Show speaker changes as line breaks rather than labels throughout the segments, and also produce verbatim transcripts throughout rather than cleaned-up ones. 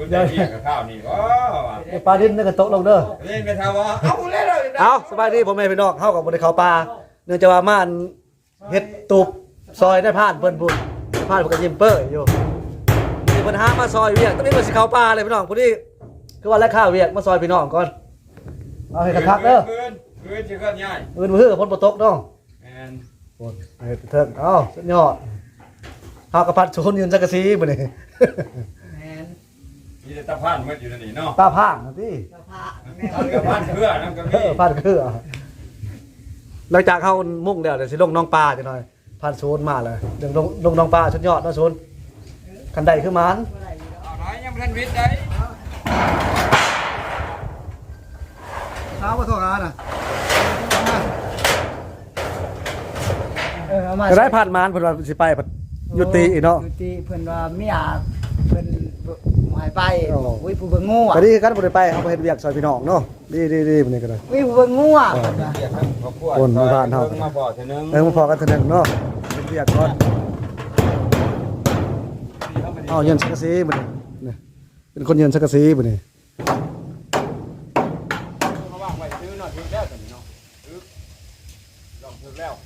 คุณได้เรียกกับข้าวนี่ว้า
ปลาดิ้นนั่นก็ตกลงเด้อ
เล่นไปทำว่าเอาเล่นเลย
เอาสบายดีผมแม่พี่น้องเข้ากับบริเขาปลาเนื่องจากว่าม่านเฮ็ดตูบซอยได้ผ่านเพิ่นบุญผ่านกับยิมเปอร์อยู่มีปัญหามาซอยเวียกต้องมีมาสิเขาปลาเลยพี่น้องพอดีคือว่าแล้วข้าวเวียกมาซอยพี่น้องก่อนเอาให้กระทักเด้อ
เงินเงินจะเกินง่าย
เงินมือพ้นบ่ตกน้อง
แอน
โอ้ยเถิงเอ้าสุดยอดเฮากระพัดชนยืนจักรซีบ่นี่
แอนมีแต่ตะพานมันอยู่นั่นนี่เนาะ
ตาพางนะพี่
ตาพางกับพานเครือนั่นก็มี
พานเครือหลังจากเข้ามุ่งแล้วเดี๋ยวสิลงน้องปลาจังหน่อยผ่านโซนมาเลยเดี๋ยวลงลงน้องปลาสุดยอดเนาะโซนคันใดคือมัน
เอาไหนยังทันวิทย์ได้
เช้ามาโทรหาน่ะเออเอามาจะได้ผ่านมานเพิ่นว่าสิไปยุติเนาะ
ยุติเพิ่นว่าไม่อยากเพิ่นหายไปอุ้ยผู้เบิ่งงูอ่ะ
ก็ดีกันบ่ได้ไปเฮาไปเฮ็ดเวียกซอยพี่น้องเนาะดีๆๆมื้อนี้ก็ได้
อุ้ยผู้เบิ่งงูอ่ะ
คนมาผ่านเฮา
มาพอเท่านึง
เออมาพอกันเท่านึงเนาะเฮ็ดเวียกก่อนเอาเย็นสักกะสีมื้อนี้นี่เป็นคนเย็นสักกะสีมื้อนี้
เขาวางไว้ซื้อหน่อยถึงแล้วตอนนี้เนาะซื้อลองถึงแล้ว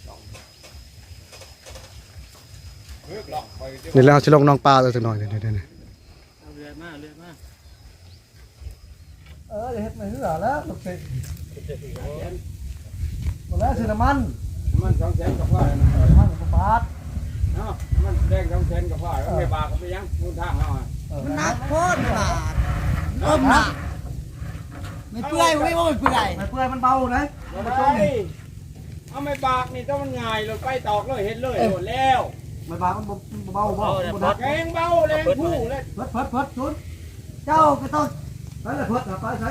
นี่แล้วสิลงน้องปลาตัวหน่อยนี่ๆๆเ
รือมาเรือมา
เออเฮ็ดไม่เหลือแล้วตกสิหมดแล้วซื้อน้ำมัน
น้ำมันสองแสนกับว่า
น้ำมันกับปาด
เนาะมันแดงสองแสนกับว่าแล้วไม่บาก็ไปยังมูลทางเฮาอ่ะ
มันหนักโคตรบาดอ้อมหนักไม่เปื่อยไม่ว่าไม่เปื่อย
ไม่เปื่อยมันเบาเลย
เอาไม่บากนี่ต้องมันง่ายเราไปตอกเลยเห็นเลยหมดแล้ว
ไม่บามันเบาเบา
แกงเบาแรงผู้เลย
เพิดเพิดเพิดชุนเจ้าก็ต้องไปเลยเพิดไปใส่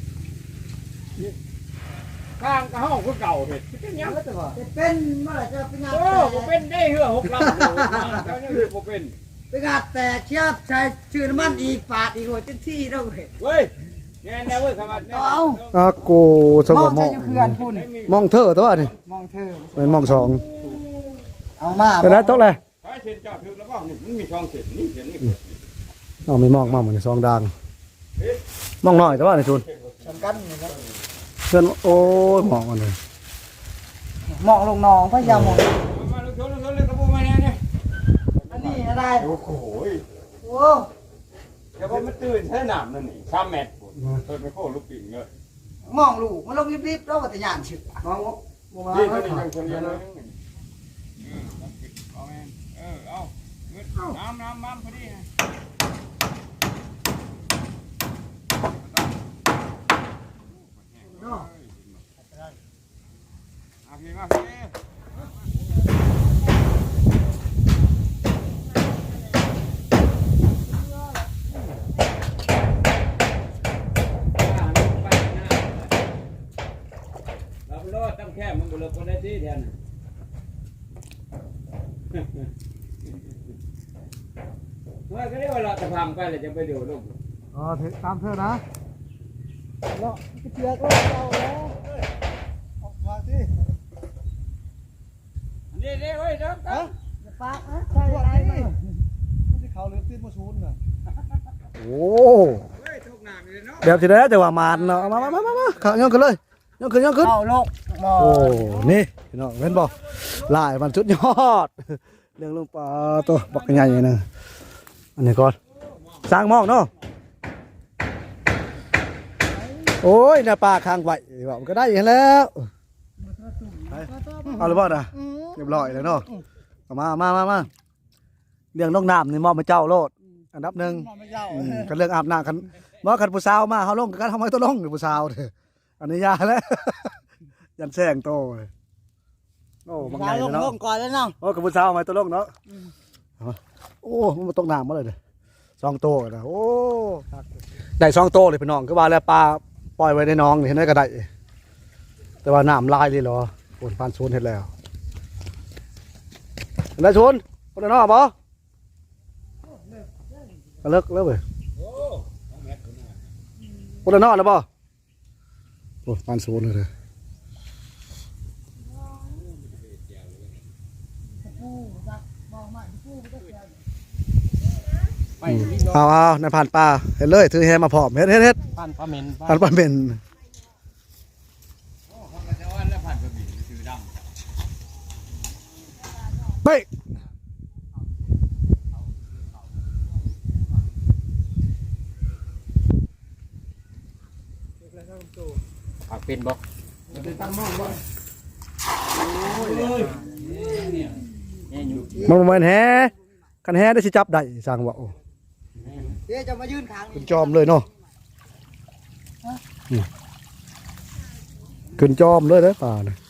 ข้างกระห้องคือเก่าเห็ดเป็นยัง
จะเป็นเมื่อไหร่จะเป็นงาน
โอ้เป็นได้เหือหกลำเจ้าเนี่ยคือเป็น
เป็นงานแต่เชียบใช้ชื่อน้ำมันอีกปาดอีกหัวเต็มที่แล้วเห็ด
เว้ยแน่แน่เว้ยสมัคร
เอา
อากูสมองมองเธอตัวนี่
มองเธอ
เป็นมองสอง
เอามา
เป็นไรโต๊ะเลย
ไปเส้นเจ้าถือแล้วก็มันมีช่องเส้นนี่เส้นนี่
เอาไม่มองมากเหมือนซองดังมองหน่อยแต่ว่าในชุน
สำคัญ
เพื่อนโอ้ยมองมันเลย
มองลงนองพยายามมอง
มาลูกชนลูกชนเลยกระปุกมาแน่เนี่ย
อันนี้อะไร
โอ้โห
โอ้
แต่ว่ามันตื่นแค่หนามนั่นนี่สามเมตรเปิดไปโค้ลูกปิ่งเลย
มองลูกมันลงรีบๆแล้วก็จะหยาดฉึก
มองมอง
นี่นี่ยังคนเดียวเลยเออเอาน้ำน้ำน้ำพอดีเอาพี่มาพี่เราไปรอดตั้งแค่มันบุรุษคนได้ที่แทนเมื่อก็เรียกว่าเราจะทำไปเลยจะไปดูลูก
อ๋อตามเธอนะ
เนาะเชือกก็เอาแล้ว
ออกมาสิ
นี่นี่เฮ้ยเด้อเด้อ
ปากนะใช่ไหม
มันจะเขาหรือตีนมาชูนน่ะโอ้
เดี๋
ยวจะได้แต่ว่ามานเนาะมามามามาขาย่องขึ้นเลยย่องขึ้นย่องขึ้น
เอาลก
โอ้นี่พี่น้องเห็นบ่ลายมันสุดยอดเรื่องลงปลาตัวบักใหญ่ๆนึงอันนี้ก่อนสร้างมองเนาะโอ้ยน่าปลาค้างไว้บอกก็ได้อย่างแล้วเอาหรือเปล่านะเรียบร้อยแล้วเนาะมามามามาเรื่องน้องน้ำนี่มอบมาเจ้าโลดอันดับหนึ่งกันเรื่องอาบน้ำกันมอขันผู้สาวมาเขาลงกันทำไมตัวลงหรือผู้สาวเถอะอันนี้ยาแล้วยันแซงโตเลยโอ้บางไงเนาะ
ก่อนแล้วเนาะ
โอ้กับผู้สาวทำไมตัวลงเนาะโอ้มันมาตกน้ำมาเลยเด้อซองโตนะโอ้ได้ซองโตเลยพี่น้องก็ว่าแล้วปลาปล่อยไว้ในน้องนี่เห็นได้ก็ได้แต่ว่าน้ำลายเลยเหรอฝนพันซูนเห็นแล้วได้ซูนคนละนอกบ่เลิกเลิกเลยคนละนอกแล้วบ่โอ้พันซูนเลย
ไปลิ้นดอก
เอาเอาในผ่านป่าเฮ็ดเลยถือแฮมาพร้อมเฮ็ดเฮ็ดเฮ็ด
พันปลาเหม็น
ผ่านป่าเป็น
โอ้เขาก็จะว่าแล้วพันปลาเหม็นคือดำ
ไป
ผักเป็นบ่เป็นตั้งม่องบ่โอ้ยเลยเนี่ยเนี่ยอยู่
มันบ่แม่นแฮคันแฮได้สิจับได้สร้างว่าโอ้
เดี๋ยวจะมายืนข้าง
ขึ้นจอมเลยเนาะอืมขึ้นจอมเลยเด้อป่าน่ะ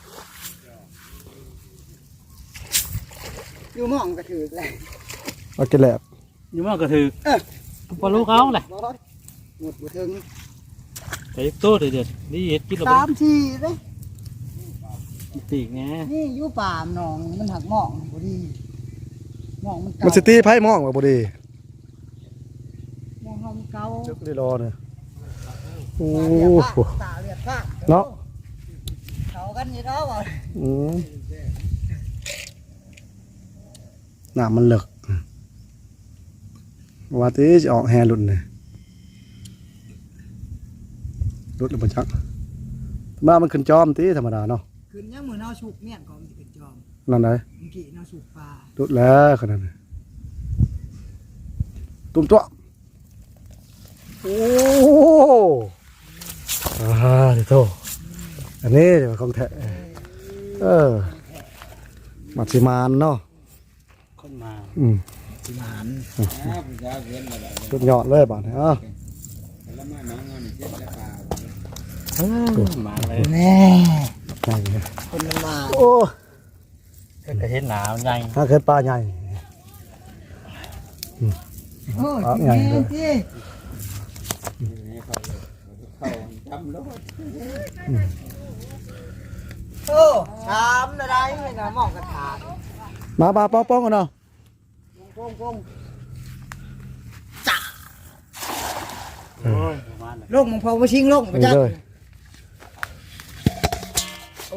อยู่หม่องกระถือเลย
เอากินแหลบ
อยู่มันก็ถือปลาลูกเขาแหละ
บ่หมดบ่ถึง
แต่ตัวเดือดนี่เห็ดกิน
สามทีเลย
ตีกไง
นี่อยู่ป่ามหนองมันหักหม่องบ่ดีหม่องมันเก่า
มันสิตีไผมองว่าบ่ดี
หม่องเฮามันเก่า
จึกได้รอเนี่ยโอ้
ตาเลือดพาก
เนาะ
เขากันอยู่เนาะบ่
อืมน้ำมันเลิกว่าตีจะออกแฮหลุดเนี่ยหลุดแล้วบ่จักมามันขึ้นจอมตีธรรมดาเนาะ
ขึ้นยังมื้อเฮาสุกเมี่ยงก็มันสิเป็นจอม
นั่นไหน
เมื่อกี้เฮาสุกปลา
หลุดแล้วขนาดนั้นตุ้มตัวโอ้อ่าเดี๋ยวโตอันนี้เดี๋ยวของแท้เออมัดสิมานเนาะ
คนมา
อืม
สิมาน
สุดยอดเลยบาดนี้อ่ะ
มาเลย
แน่
ใหญ่เลย
คนมันมา
โอ้
ก็เห็นหนาวใหญ่
ถ้าเกิดปลาใหญ่
โอ้ย
ปลาใหญ่เลย
พี่โอ้ชามอะไรไม่น่ามองกระถาง
มาปลาป้องป้องกันเนาะ
กงกง
โอ้ยประมาณนั้น
ลงมึงพอมาชิงลงไป
นี่
จ้ะ
เลยโอ้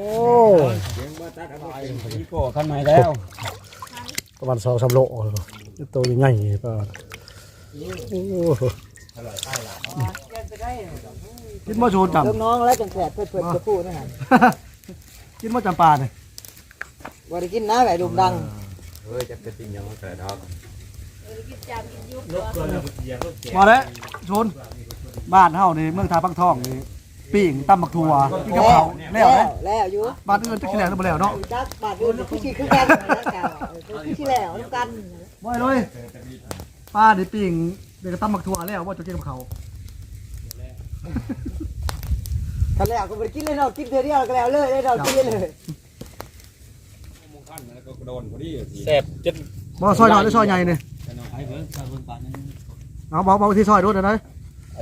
นี่โก้ขั้นใหม่แล้ว
ประมาณสองสามโลตัวใหญ่ๆปลาโอ้กินมะชูนจ
เริ่มน้องแล้วจังแสบเพื่อนเพื่อนจะพูดนะฮะ
ำกินมะจำปาเนี่ย
บ่ได้กินน้ำแบบดุมดัง
เฮ้ยจะเป็นสิ่งยังไม่เกิดดอก
มาแล้วชนบ้านเฮานี่เมืองทาปังทองนี่ปิ้งตำบักถั่วกินกับข้าวแล้วนะ
แล้วอยู่
บ้านอื่นจะกินแล้วหรือบ่แล้วเนาะ
จักบาดอื่นคือขี้คือกันนะจ้ะคือขี้แล้วน้ำกัน
บ่อยเลยป้านี่ปิ้งเดี๋ยวก็ตำบักถั่วแล้วว่าจะกินกับข้าว
คันแล้วก็บ่ได้กินเลยเนาะกินเทื่อเดียวก็แล้วเลยได้ดอกกินเลย
แซ่บจน
บ่ซอยน้อยหรือซอยใหญ่นี่
ไอ้เบิ้งซาเบิ้งปานนึง
เอาบอกบอกที่ซอยรถนะ
ไอ้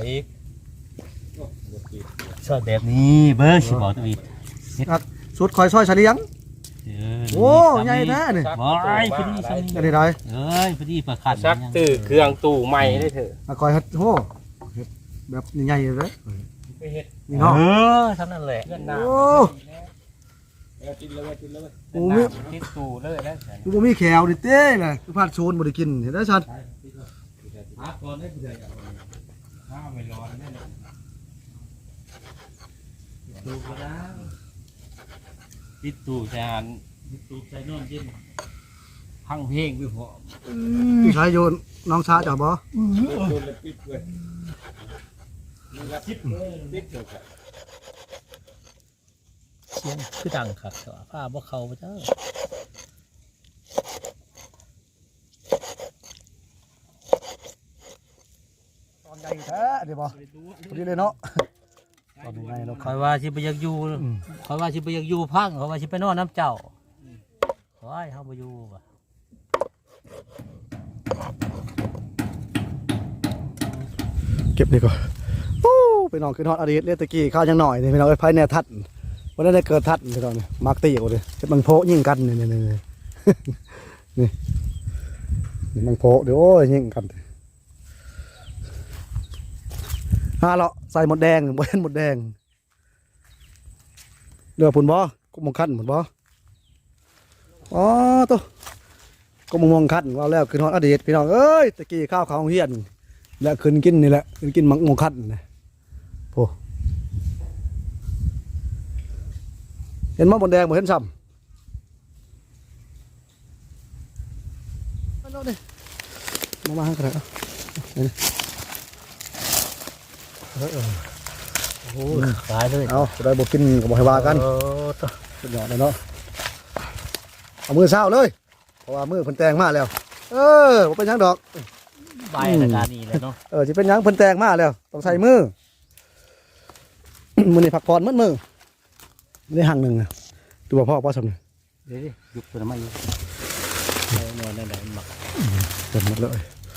ซอยแบบนี้เบิ้งสิบอกตัวอีก
สุดคอยซอยเฉลียงโอ้ใหญ่แท้นี่
บอยพอดีซัน
อันนี้ได้
เอ้ยพอดีประคันซักตื้อเครื่องตู้ใหม่ได้เถอะ
อ่ะคอยเฮ็ดโหเฮ็ดแบบใหญ่ๆเลยนี่
เอ
เนาะ
อเท่านั้นแหละ
โอ้โหมี
ติดตู้เลยแล้ว
กูบ่มีแขวนี่เต้น่ะกูพลาดโซนบ่ได้กินเห็นได้ชัด
อาก่อนได้เผื่อข้าวไม่ร้อนแน่เลยดูก็ได้ติดตู้ใส่หันติดตู้ใส่นอนกินพังเพลงไปพอ
พี่ชายโยนน้องชาจ้ะบ่
เสียงคือดังขัดผ้าบ่เขาเจ้า
ตอนใหญ่แท้เดี๋ยวบ่พอดีเลยเนาะตอนใหญ่เนาะ
คอยว่าสิไปอยากอยู่คอยว่าสิไปอยากอยู่พังคอยว่าสิไปนอนน้ำเจ้าคอยเฮาบ่อยู่ว่ะ
เก็บนี่ก่อนโอ้ไปนอนขึ้นฮอดอดีตเรียกตะกี้ข้าวยังหน่อยนี่ไปนอนไอ้ไผแน่ทัดวันนั้นได้เกิดทัดไปตอนนี้มักตีกูเลยเฮ็ดมังโพยิงกันนี่นี่นี่นี่นี่มังโพเดี๋ยวโอ้ยยิงกันฮาเลาะใส่หมดแดงบ่เห็นหมดแดงเรือพุ่นบ่กุมงคันพุ่นบ่อ๋อตัวก็มงมงคัดว่าแล้วคือฮอดอดีตพี่น้องเอ้ยตะกี้ข้าวเขาเฮียนแล้วขึ้นกินนี่แหละขึ้นกินมังมงคัดนะโอ้เห็นมะบนแดงบ่เห็นซ้ำมาดิมามาให้กันเอานี่เออ
โอ้ยตายเลย
เอาจะได้บ่กินก็บ่ให้ว่ากัน
เออตัว
สุดยอดเลยเนาะเอามือเช้าเลยเพราะว่ามือเพิ่นแต่งมาแล้ว เออบ่เป็นหยังดอก
ใบรายการนี้เลยเนาะ
เออสิเป็นหยังเพิ่นแต่งมาแล้วต้องใส่มือ มื้อนี้พักผ่อนมื้อมือได้หั่งหนึงน่ะดูว่าพ่อบ่สำนึก
เดี๋ยวดิยุบตัวน้ำมันอยู่เอานอนนั่นแหละมันหมัก
เต็มหมดเลย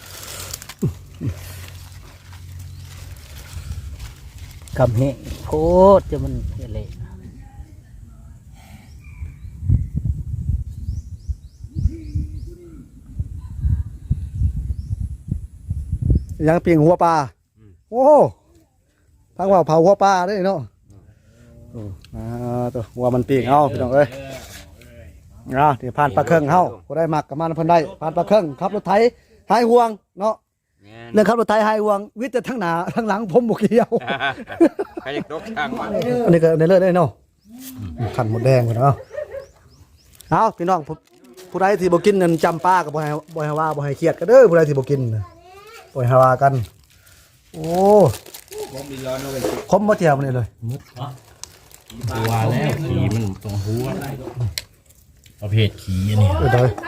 กำเฮงโคตรจะมันเละ
ยังเปียงหัวปลาโอ้ทางว่าเผาหัวปลาได้เนาะโอ้อ่าตัวหัวมันเปียงเอาพี่น้องเอ้ยอ่าที่ผ่านปลาเครื่องเฮาบ่ได้มักกับมันเพิ่นได้ผ่านปลาเครื่องขับรถไถหายห่วงเนาะเรื่องขับรถไถหายห่วงวิทย์แต่ทั้งหน้าทั้งหลังผมบ่เกี่ยว
ใครอยากตกทางมัน
อันนี้ก็ในเลือดได้เนาะขันหมดแดงหมดเอาเอาพี่น้องผู้ผู้ใดที่บ่กินนั่นจำป้ากับบ่ให้บ่ให้ว่าบ่ให้เครียดกันเด้อผู้ใดที่บ่กินน่ะบ่ให้ว่ากัน โอ้
ผมมีร้อนเอาไป
คมบ่เจียวมันนี่เลย
ตัวแล้วขี่มันตรงหัวประเภทขี่อันนี้
เออเด้อ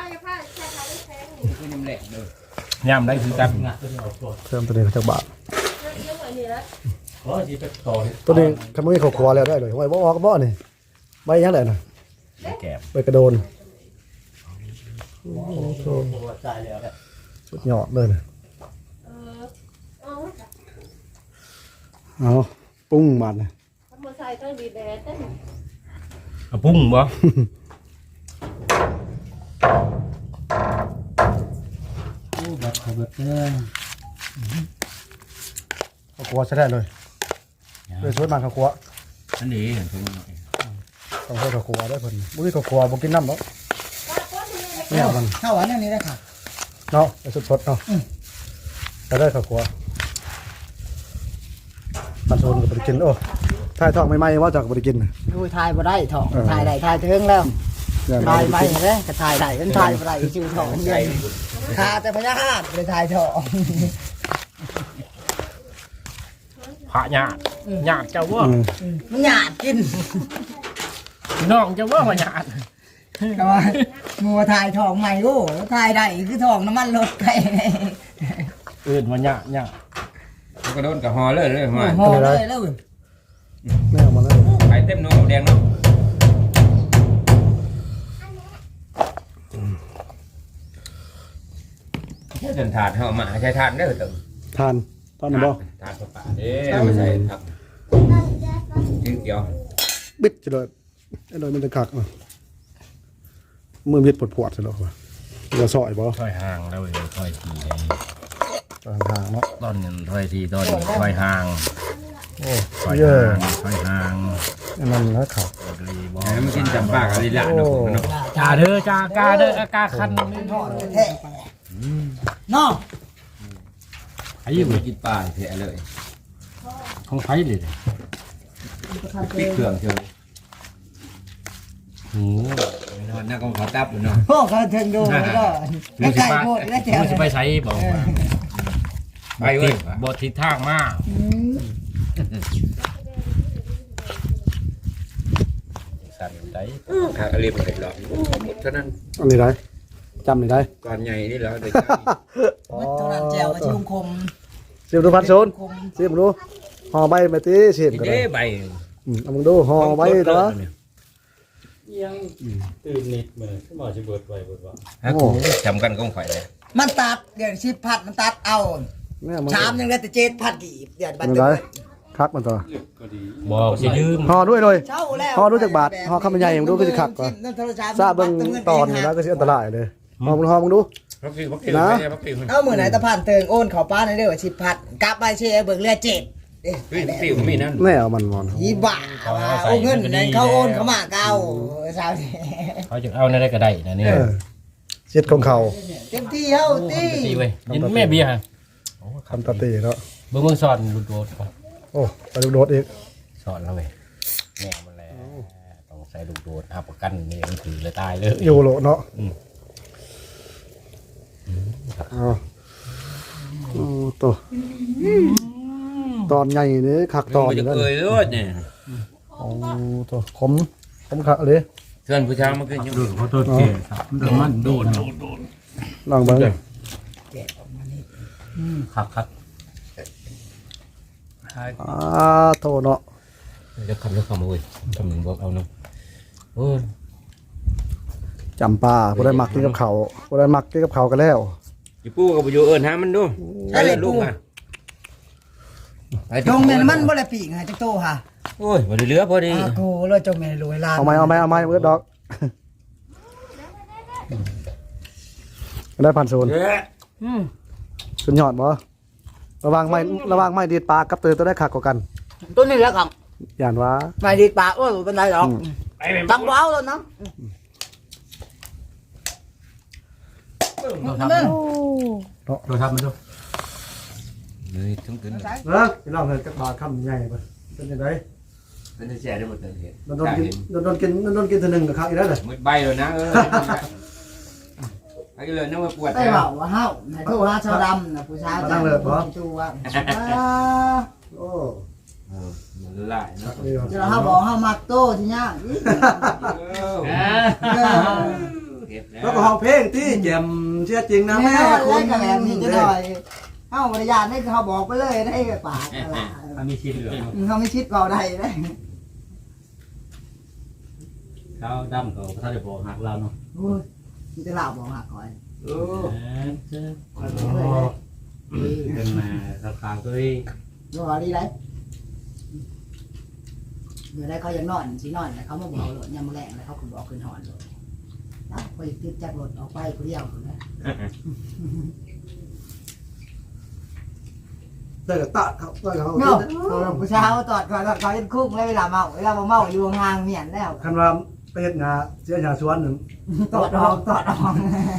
ย่ำได้คือกัน
เพิ่มตัวนี้จักบาท
ขอสิไปต่อ
ตัวนี้คันบ่มีข้าวครัวแล้วได้เลยไว้บ่ออกบ่นี่ใบยังไดน่ะ
แกบ
ใบกระโดนโอ้โห
ตายแล้ว
สุดยอดเลยน่ะเอาปรุงบาดน่ะ
เอาปุ้งบ่
โอ้แบบเขาแบบเด้อ
ข้าวครัวใช้ได้เลยเลยสวยมากข้าวครัว
อันนี้เห็นตรงนี้
ต้องใช้ข้าวครัวได้เพิ่นบ่มีข้าวครัวบ่กินน้ำเนาะเนี่ยมัน
เข้าอันนี้ได้ค่ะ
เนาะไปสดๆเนาะจะได้ข้าวครัวมันโซนกับบริกินโอ้ถ่ายทองใหม่ๆว่าจากบริกิน
ดูถ่ายบ่ได้ถองถ่ายได้ถ่ายถึงแล้วถ่ายไปเด้ก็ถ่ายได้มันถ่ายบ่ได้ชื่อถองเดียวคาแต่พญานาคเลยถ่ายถอง
พระหยาดหยาดเจ้าว่า
มันหยาดกิน
น้องเจ้าว่าพระหยาด
ก็ว่ามัวถ่ายถองใหม่โอ้ถ่ายได้คือถองน้ำมันรถไป
อื่นมันหยาดหยาดกระโดดกับฮอเลยเลยมา
โหเลยแล้ว
แม่เอามาเลย
ไปเต็มโน่แดงเนาะใช้จนถาดเหามาใช้ถาดได้เหรอ
ทานทานนะบ่
ถาดป่าเด้ไม่ใช่ครับจิ้งเกี่ยว
บิดจะเลยไอ้เลยมันจะกักอ่ะมือมิดปวดๆซะแล้วว่ะจะซอยบ่
ถอยห่างแล้วเลยถอยที
ห่างๆเนาะ
ต้นเงินถอยทีต้นถอยห่าง
โอ้
ถอย
เยอะ
ห่างถอยห่าง
อันนั้นนะเขา
มันกินจำปากอะไรละเนาะจ่าเด้อจ่ากาเด้อกาคัน
แท้เนาะ
ไอ้ยี่มันกินปลาแท้เลยของไผ่เลยปิดเครื่องเชียวโอ้นอนหน้ากองเขาตับเนาะ
พวกเขาถึงดูแล้วก็ไม่ไก่โพดแล้วแถว
จะไปใช้บอกไปเว้ยบททิศทางมากสั่นได้ขาเรียบเสร็จแล้วหมดเท่านั้น
อันนี้ได้จำนี่ได้
ก่อนใหญ่นี่แล้วเด็ก
มัดเท่านั้นแจวกับชิมคม
เสียบดูพันโซนเสียบดูห่อใบมาตีเสียบก็ได้
เด้ใบ
อืมเอามึงดูห่อใบตัว
ยังตื่นนิดเหมือนขึ้นมาจะเบิดไว้เบิดว่า
ฮะกูจำกันกองข่อยเลย
มันตัดเดี๋ยวชิบพัดมันตัดเอา
เนี่ยมัน
ชามยังได้แต่เจ็ดพัดกีบเดี๋ยวบั
อั
ด
นนี้
เดื
ได้
อด
คักมันตัว
บอกจะยืม
ห่อด้วยเลย
เช่าแล้ว
ห่อรู้จักบาทห่อข้าวมันใหญ่มึงดูก็สิคักกว่าทราบเบิ่งตอนนี่แล้วก็สิอันตรายเลยห่อมึงห่อมึงดู
พักกินพักกิน
นะ
พักกิน
เอามือไหนตะผ่านเติงโอนเขาป้าในเรื่องว่าชิบพัดกลับไปเชียร์เบิกเรือเจ็ดเด้
เฮ้ยพักกินมีนั่น
แม่เอามันมอน
ยี่บ้าว่าโอ้เงินนั้นเขาโอนเขามาเก่าสาวนี่
เขาจะเอาในได้ก็ได้นะนี่
เออเจ็ดของเขา
เต็มที่เฮาตี
ตีเว้ยยินแม่เบียร์ฮะ
คำตาตีเนาะ
เบิ่งเบิ่งสอนลูกโดดก่อน
โอ้ไปลูกโดดอีก
สอนแล้วเว้ยแม่มันแล้วต้องใส่ลูกโดดอาประกันนี่มันถือเลยตายเลย
อยู่โลเนาะ
อืม
อ๋อโอ้ตัวตอนใหญ่นี่คักตอน
จะ
นั่น
เคยรู้เนี่ย
โอ้ตัวขมขมคักเลย
เพื่อนผู้ชายมันก็ยัง
โดดขอโทษเจ๊ครับมันโดดโดดโดด
ลองเบิ่ง
ครับครับ
อ่าโตเนาะ
จะคำจะคำเว้ยคำหนึ่งบอกเอาเนาะโอ้ย
จำปาบ่ได้มักกินกับเขาวบ่ได้มักกินกับเขาวกันแล้ว
จะปูกับอยู่เอิญหามันดูไปเลยลูกมา
จงแม่นมันบ่ได้ปีกให้จักโตค่ะ
โอ้ยบ่ได้เหลือพอดี
อากูเลยจงแม่นรวยล้าน
เอาไหมเอาไหมเอาไหมเบิดดอก ได้พันศูนย์
อืม
สุดยอดบ่ระวังไม่ระวังไม่ดีดปากกับเตยตัวได้คักกว่ากัน
ตัวนี้แหละครับ
ย่านว่า
ไม่ดีปากโอ้ยบ่เป็นไรหรอกตังบ่เอาแล้วนะ
โดดทับมันโดดทับมันดู
เลยทั้งคืน
เออพี่น้องเฮ้ยจักบาทคำใหญ่บ่เป็นจังได๋
มันจะแช่ได้หมดเลย
โดนๆกินโดนๆกินโดนๆกินเทื่อหนึงก็คักอีกแล้วเด้อ
มืดใบเลยนะเออไอ้เลยนึกว่าปวด
ได้เว้าว่าเฮาแม่โทรหาชาวดำน่ะผู้ชายจูว่า
โอ้
เออมันละเนาะ
นี่
เดี๋ยวเฮาบอกเฮามักโตที่ยาก
แล้วก็ห้องเพลงที่แจ่มเชื่อจริงนะแม่
คุ
คุณ
ณก็แบบนี้จะหน่อยเฮาบริญาณให้เขาบอกไปเลยได้ปาก
มันมีชิ้นเหลือ
เขาไม่คิดเบาได้ได้
เขาดำเขาถ้าจะบอกหักเราเนาะ
โอ้ยมันจะเล่าบอกหักก่อน
โอ้
เป็นมาราคาก็ได้
ดูเอาดีไรเมื่อได้เขายังนอนสินอนเขามาบอกหลดยามแรงแล้วเขาคุณบอกคืนหอนเลยนะไปติดจากรถออกไปคนเดียวนะ
เตยกับตะเขาเตยกับเขา
เนาะผู้ชายเขาตอดก่อนตอดเขาเป็นคุกแล้วเวลาเมาเวลาเมาอยู่ห่างเมียนแล้ว
คันว่าไปเฮ็ดงาเสียหาสวนหนึง
ตอดออกตอดออก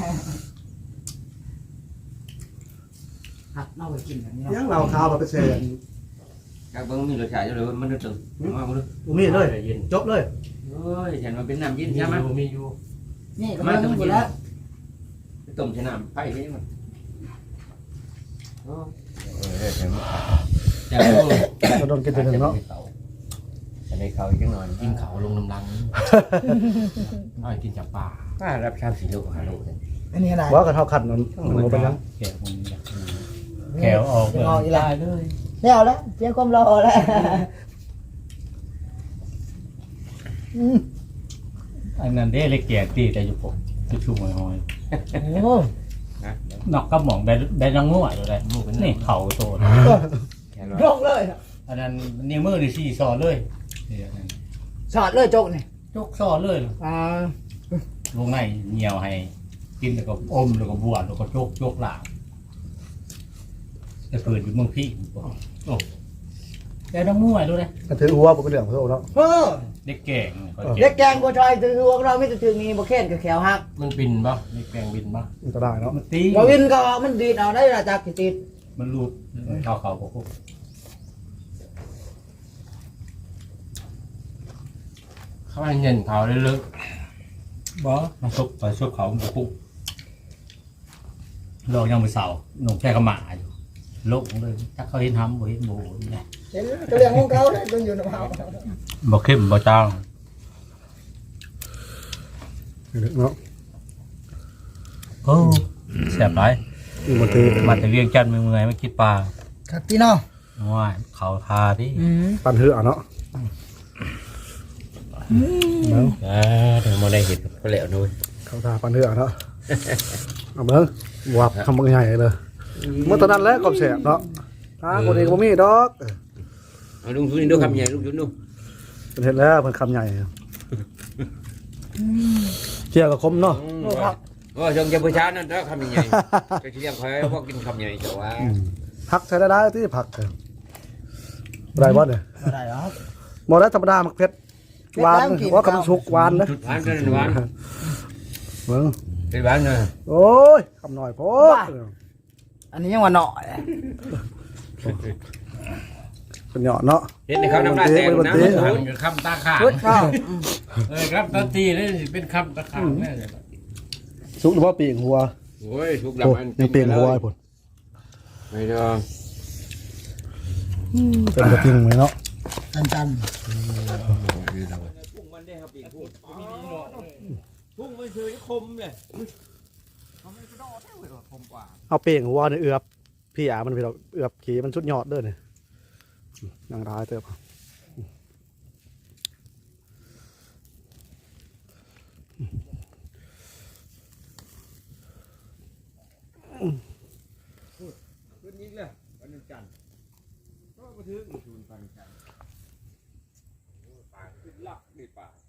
ครับเมาไปกินแบบนี้
ยังเราขาวบ่ไปเสีย
các bạnมีรสชาติอยู่เลยมันนึกถึงมาบ่ดู
บ่มีเลยจบเลย
โอ้ยฉันมันเป็นน้ำเย็น
มี
ใช่ไหม
อยู่มีอยู่
นี่ก็มันหมดแล้ว
ต้มใช้น้ำไปใช่ไหมโอ้เออเดี๋ยว
จะ
โดนกินเทื่อหนึงเนาะ
จะได้เขาอีกจังหน่อย
กินเขาลงน้ำลังอ้อยกินจับปลา
ป้ารับชามสีลูกหาลูก
อันนี้อะไร
ว่ากันเท่าคันมันมันบ่เป็นหยัง
แขวมันแขวออก
จะงออีกแล้วแล้วแล้วเพียงความรอแล้ว
อันนั้นเด้เล็กแก่ตีแต่อยู่ผมจะชุ่มหอย
โอ้
นอกก็หมองได้ได้รังงัวอยู่เลยนี่เข่าโต
ยกเลย
อันนั้นนิ้วมือนี่สี่ซอเลย
สอดเลยจกนี่
ยกซอเลย
อ่า
ลงในเหนียวให้กินแล้วก็อมแล้วก็บวชแล้วก็โจกโจกหลางแต่เปิดอยู่เมืองพี่โอ้ได้รังงัวด้วยนะ
ก็ถือหัวบ่เป็นเรื่องของโตเนาะ
เออ
เด็กแก่ง
เล็กแกงบัวชอยคือพวกเราไม่จะถึงนี้บ่เข็นกับแขวหัก
มันบินปะเด็กแก่งบินปะ
มันก็ได้เนาะ
มันตี
บ่วินก็มันดีดเอาได้ละจากติด
มันรูดเขาเขาพวกเขาให้เงินเขาเลยลึกบ่มาซุกไปซุกเขาบุกลองยังไปเสาหนุ่มแค่กระหม่าอยู่โลกเลยถ้าเขาเห็นทำบ่เห็นโบเนี่ย
เห็นตัวเรื่องของเขาเลยต้องอยู่ในเฮา
บ่เข้มบ่จาง
เนาะ
โอ้แซ่บหลาย
อีบ่ถือ
มาแต่เวียงจันทน์เมื่อยๆมาคิดปลา
ครับพี่น้อง
ว่าเขาทาดิ
อืม
ปันเหือเนาะ
อ่าเดี๋ยวมาได้เห็ดก็แล้วนุ้ย
เขาทาปันเหือเนาะเอาเบิ่งวับคำบักใหญ่เลยเมื่อตอนนั้นแหละก็แซ่บเนาะทางคนนี้ก็บ่มีดอก
เอาลุงชุนดูคำใหญ่ลุงชุนดู
เพิ่นเฮ็ดแล้วเพิ่นคำใหญ่เกี่ยวกับคมเนาะ
โอ้ครับ
โอ้ชงจะผู้ชายนั่นแล้วคำใหญ่จะเรียกใครพวกกินคำใหญ่แต่ว่า
ผักใช้ได้ได้ที่ผักเออบ่ได้บ่เนี่ย
บ่ได้หรอก
บ่ได้ธรรมดามักเผ็ดหวานว่ากับมันสุกหวานนะ
หวานจนหวาน
เบิ่ง
เป็นบ้านนะ
โอ้ยคำหน่อยโพด
อันนี้ยังว่าหน่อย
เป็นเหยาะเนาะ
เห็นในคำน้ำลายแตกนะมันหันกับคำตาขาด
พุทธเนาะ
เออครับทันทีนี่เป็นคำตะขางแน่เลย
สุกหรือว่าปีกหัว
โอ้ยทุก
โอ้
ลำมัน
ยังปีกหัวไอ้ผล
ไม่ต้อง
เป็นกระทิงไหมเนาะ
จันจัน
พุ่งมันได้ครับปีพุ่งมีมีหนอกพุ่งมันคือคมเลยเขาไม่กระโดดได้เลยคมกว่า
เอาปีกหัวเนี่ยเอือบพี่อามันพี่เราเอือบขี่มันชุดยอดเด้อเนี่ยนางร้ายเติบ
ขึ้นยิงเลยวันจันทร์ก็มาถึงศูนย์พันจันทร์ปากขึ้นลักนี่ปาก